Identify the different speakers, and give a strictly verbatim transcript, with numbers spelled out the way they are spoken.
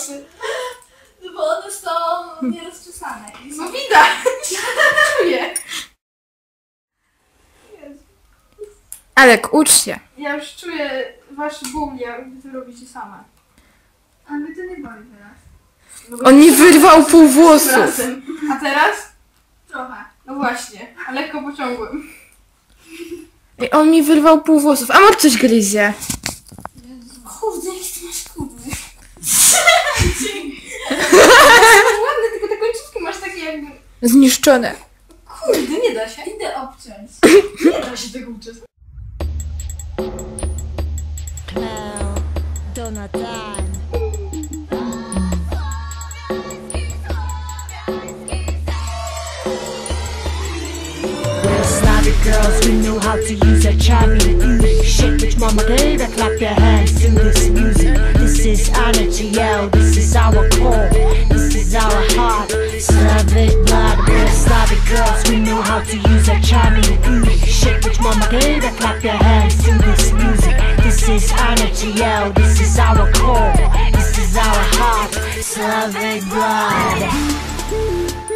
Speaker 1: włosy?
Speaker 2: No bo one są nierozczesane.
Speaker 1: No widać! Czuję.
Speaker 3: Alek, ucz się.
Speaker 1: Ja już czuję wasz ból, jak wy to robicie same.
Speaker 2: A mnie to nie boli teraz.
Speaker 1: No bo
Speaker 3: On mi wyrwał pół
Speaker 1: tym
Speaker 3: włosów.
Speaker 1: razem. A teraz?
Speaker 2: Trochę.
Speaker 1: No właśnie, a lekko pociągłem.
Speaker 3: Ej, on mi wyrwał pół włosów. A może coś gryzie?
Speaker 2: Kurde, jak ty masz kudły.
Speaker 1: Ładne, tylko te końcówki masz takie jakby...
Speaker 3: Zniszczone.
Speaker 1: Kurde, nie da się.
Speaker 2: Idę obciąć.
Speaker 1: Nie da się tego uczyć.
Speaker 4: Cloud, Donatan. We're Slavic girls, we know how to use our charming beauty. Shit, which mama gave her, clap your hands to this music. This is energy, yo, this is our core, this is our heart. Slavic blood, we're Slavic girls, we know how to use our charming beauty. Shit, which mama gave her, clap your hands to this music. This is energy, yo, this is our core, this is our heart. Slavic blood.